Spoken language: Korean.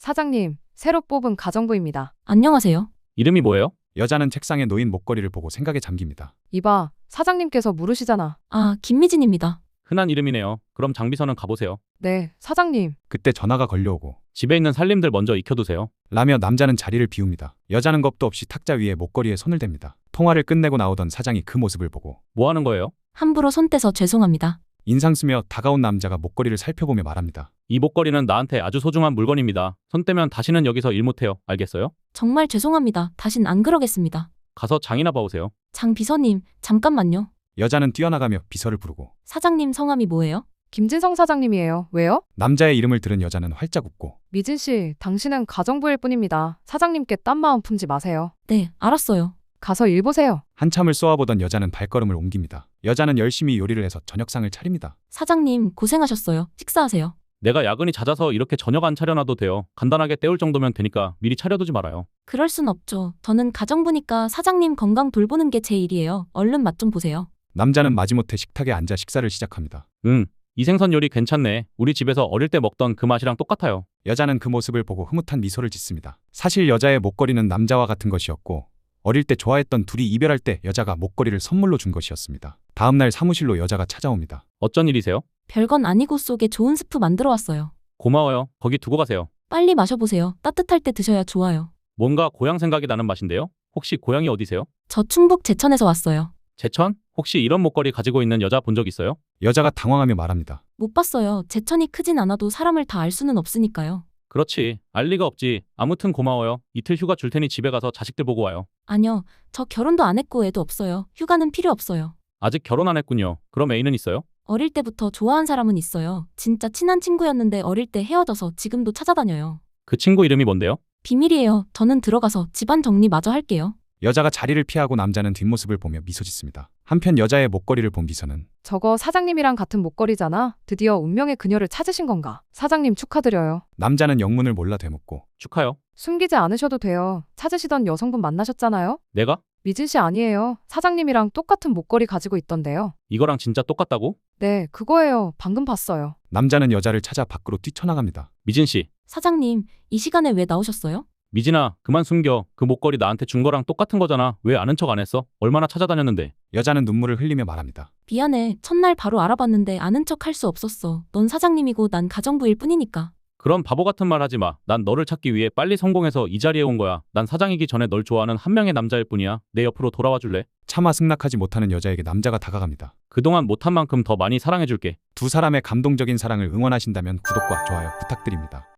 사장님, 새로 뽑은 가정부입니다. 안녕하세요. 이름이 뭐예요? 여자는 책상에 놓인 목걸이를 보고 생각에 잠깁니다. 이봐, 사장님께서 물으시잖아. 아, 김미진입니다. 흔한 이름이네요. 그럼 장비서는 가보세요. 네, 사장님. 그때 전화가 걸려오고 집에 있는 살림들 먼저 익혀두세요. 라며 남자는 자리를 비웁니다. 여자는 겁도 없이 탁자 위에 목걸이에 손을 댑니다. 통화를 끝내고 나오던 사장이 그 모습을 보고 뭐 하는 거예요? 함부로 손 떼서 죄송합니다. 인상 쓰며 다가온 남자가 목걸이를 살펴보며 말합니다. 이 목걸이는 나한테 아주 소중한 물건입니다. 손 떼면 다시는 여기서 일 못해요. 알겠어요? 정말 죄송합니다. 다신 안 그러겠습니다. 가서 장이나 봐오세요. 장 비서님, 잠깐만요. 여자는 뛰어나가며 비서를 부르고 사장님 성함이 뭐예요? 김진성 사장님이에요. 왜요? 남자의 이름을 들은 여자는 활짝 웃고 미진 씨, 당신은 가정부일 뿐입니다. 사장님께 딴 마음 품지 마세요. 네, 알았어요. 가서 일 보세요. 한참을 쏘아보던 여자는 발걸음을 옮깁니다. 여자는 열심히 요리를 해서 저녁상을 차립니다. 사장님, 고생하셨어요. 식사하세요. 내가 야근이 잦아서 이렇게 저녁 안 차려놔도 돼요. 간단하게 때울 정도면 되니까 미리 차려두지 말아요. 그럴 순 없죠. 저는 가정부니까 사장님 건강 돌보는 게 제 일이에요. 얼른 맛 좀 보세요. 남자는 마지못해 식탁에 앉아 식사를 시작합니다. 이 생선 요리 괜찮네. 우리 집에서 어릴 때 먹던 그 맛이랑 똑같아요. 여자는 그 모습을 보고 흐뭇한 미소를 짓습니다. 사실 여자의 목걸이는 남자와 같은 것이었고 어릴 때 좋아했던 둘이 이별할 때 여자가 목걸이를 선물로 준 것이었습니다. 다음날 사무실로 여자가 찾아옵니다. 어쩐 일이세요? 별건 아니고 속에 좋은 스프 만들어 왔어요. 고마워요. 거기 두고 가세요. 빨리 마셔보세요. 따뜻할 때 드셔야 좋아요. 뭔가 고향 생각이 나는 맛인데요? 혹시 고향이 어디세요? 저 충북 제천에서 왔어요. 제천? 혹시 이런 목걸이 가지고 있는 여자 본 적 있어요? 여자가 당황하며 말합니다. 못 봤어요. 제천이 크진 않아도 사람을 다 알 수는 없으니까요. 그렇지. 알 리가 없지. 아무튼 고마워요. 이틀 휴가 줄 테니 집에 가서 자식들 보고 와요. 아니요. 저 결혼도 안 했고 애도 없어요. 휴가는 필요 없어요. 아직 결혼 안 했군요. 그럼 애인은 있어요? 어릴 때부터 좋아한 사람은 있어요. 진짜 친한 친구였는데 어릴 때 헤어져서 지금도 찾아다녀요. 그 친구 이름이 뭔데요? 비밀이에요. 저는 들어가서 집안 정리 마저 할게요. 여자가 자리를 피하고 남자는 뒷모습을 보며 미소 짓습니다. 한편 여자의 목걸이를 본 비서는 저거 사장님이랑 같은 목걸이잖아. 드디어 운명의 그녀를 찾으신 건가? 사장님 축하드려요. 남자는 영문을 몰라 되묻고 축하요. 숨기지 않으셔도 돼요. 찾으시던 여성분 만나셨잖아요. 내가? 미진 씨 아니에요. 사장님이랑 똑같은 목걸이 가지고 있던데요. 이거랑 진짜 똑같다고? 네, 그거예요. 방금 봤어요. 남자는 여자를 찾아 밖으로 뛰쳐나갑니다. 미진 씨. 사장님, 이 시간에 왜 나오셨어요? 미진아, 그만 숨겨. 그 목걸이 나한테 준 거랑 똑같은 거잖아. 왜 아는 척 안 했어? 얼마나 찾아다녔는데. 여자는 눈물을 흘리며 말합니다. 미안해. 첫날 바로 알아봤는데 아는 척 할 수 없었어. 넌 사장님이고 난 가정부일 뿐이니까. 그런 바보 같은 말 하지 마. 난 너를 찾기 위해 빨리 성공해서 이 자리에 온 거야. 난 사장이기 전에 널 좋아하는 한 명의 남자일 뿐이야. 내 옆으로 돌아와 줄래? 차마 승낙하지 못하는 여자에게 남자가 다가갑니다. 그동안 못한 만큼 더 많이 사랑해줄게. 두 사람의 감동적인 사랑을 응원하신다면 구독과 좋아요 부탁드립니다.